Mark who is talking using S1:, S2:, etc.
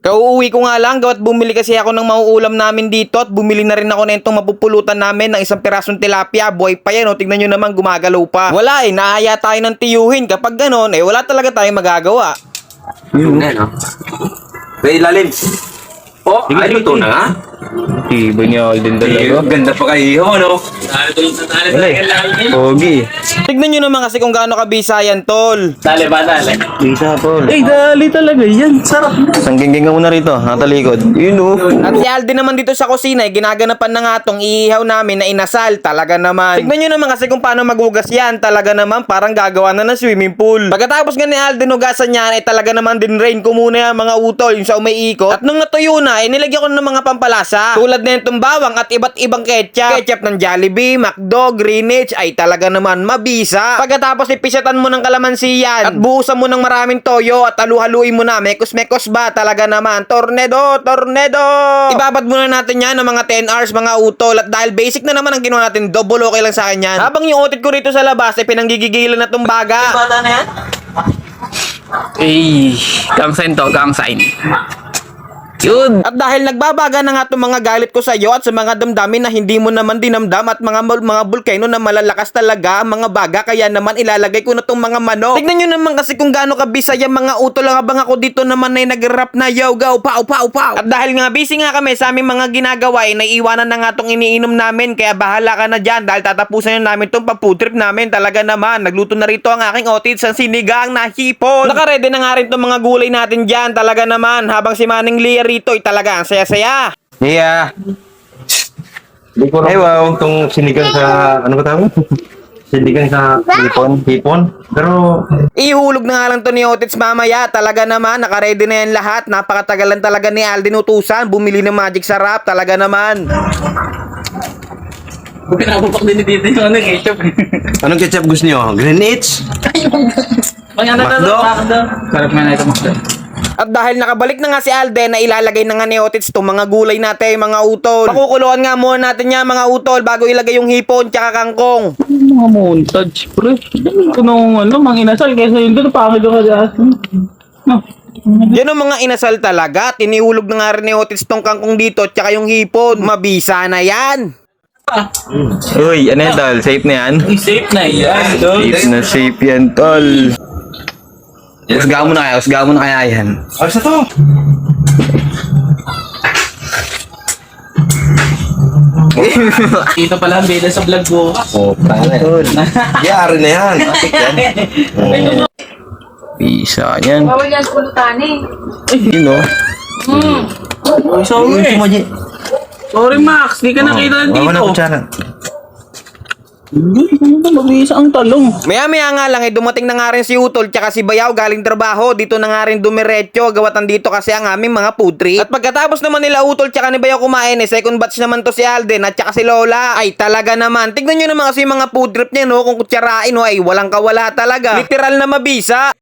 S1: Kauuwi ko nga lang, gawat bumili kasi ako ng mauulam namin dito at bumili na rin ako na itong mapupulutan namin ng isang pirasong tilapia. Buhay pa yan, o. Tignan nyo naman, gumagalaw pa. Wala naaya tayo ng tiyuhin. Kapag ganon, wala talaga tayong magagawa.
S2: Yun na, no? May ilalim. Oh, ay, luto na nga.
S3: Tiba niya din talaga.
S2: Ganda pa kayo, no?
S3: Pogi.
S1: Tignan nyo naman kasi kung gaano kabisa yan, tol.
S2: Dale ba, dale?
S3: Isa, tol.
S2: Dali talaga yan. Sarap.
S3: Sangginging ka muna rito, natalikod. Yun, oh.
S1: At si Alden naman dito sa kusina, ginaganapan na nga tong iihaw namin na inasal. Talaga naman. Tignan nyo naman kasi kung paano magugas yan. Talaga naman, parang gagawa na ng swimming pool. Pagkatapos nga ni Alden hugasan yan, talaga naman din rain ko muna yung mga utol, yung sa umiikot. At nung natuyo na, nilagyan ko na ng mga pampalasa. Tulad na itong bawang at iba't ibang ketchup. Ketchup ng Jollibee, McDo, Greenwich, ay talaga naman mabisa. Pagkatapos ipisatan mo ng kalamansi yan at buhusan mo ng maraming toyo at halu-haluin mo na. Mekos-mekos ba? Talaga naman. Tornado! Ibabad muna natin yan ng mga 10 hours mga utol. At dahil basic na naman ang ginawa natin, double okay lang sa akin yan. Habang yung otit ko rito sa labas ay pinanggigigilan na tong baga.
S2: Bata na yan?
S3: Gang sign to, gang sign. Yun.
S1: At dahil nagbabaga na nga itong mga galit ko sa iyo at sa mga damdamin na hindi mo naman dinamdam at mga bulkano na malalakas talaga ang mga baga, kaya naman ilalagay ko na itong mga manok. Tignan nyo naman kasi kung gaano kabisa yung mga utol lang habang ako dito naman ay nag-rap na yo go pow. At dahil nga busy nga kami sa aming mga ginagawa ay naiiwanan na nga itong iniinom namin, kaya bahala ka na dyan dahil tatapusan na namin itong paputrip namin. Talaga naman, nagluto na rito ang aking otits sa sinigang na hipon. Nakaredy na nga rin itong mga gulay natin dyan. Talaga naman, habang si Manning Lia rito ay talaga ang saya-saya.
S3: Yeah.
S4: Ay, wow. Itong sinigang sa, ano ba tawag? Sinigang sa hipon. Pero,
S1: Ihulog na nga lang to ni Otits mamaya. Talaga naman, nakaredy na yan lahat. Napakatagalan talaga ni Alden utusan. Bumili ng magic sarap. Talaga naman.
S2: Pinapapak din ni Tito yung ketchup.
S4: anong ketchup gusto nyo? Greenwich? McDo?
S2: Sarap nga na ito, Macdo.
S1: At dahil nakabalik na nga si Alden, na ilalagay na nga ni Otits itong mga gulay natin, mga utol. Pakukuluan nga muna natin yan, mga utol, bago ilagay yung hipon tsaka kangkong.
S5: Mga montage, pre. Ganun ko nung mga inasal kaysa yun doon, pangit ka dyan. No.
S1: Yan ang mga inasal talaga. Tinihulog na nga rin ni Otits tong kangkong dito tsaka yung hipon. Mabisa na yan.
S3: Uy, ano yan, tol? Safe na yan?
S2: Safe na yan, tol.
S3: Safe yan, tol. Usgahan mo na kaya yan.
S4: Ayos na to!
S2: Dito pala ang bida sa vlog ko.
S4: Oh, tala yan. Yari na yan.
S3: Pisa yan.
S6: Bawal yan pulutan eh.
S3: Yun, oh.
S2: Ay, sorry. Sorry, Max. Di ka nakita
S4: Wawa na
S2: dito.
S4: kutsara.
S5: Mabisa ang talong.
S1: Maya-maya nga lang dumating na nga rin si Utol tsaka si Bayaw galing trabaho. Dito na nga rin dumiretso, gawatan dito kasi ang aming mga food trip. At pagkatapos naman nila Utol tsaka ni Bayaw kumain, second batch naman to si Alden at tsaka si Lola. Ay talaga naman, tignan nyo naman kasi yung mga food trip niya, no, kung kutsarain, no, ay walang kawala talaga. Literal na mabisa.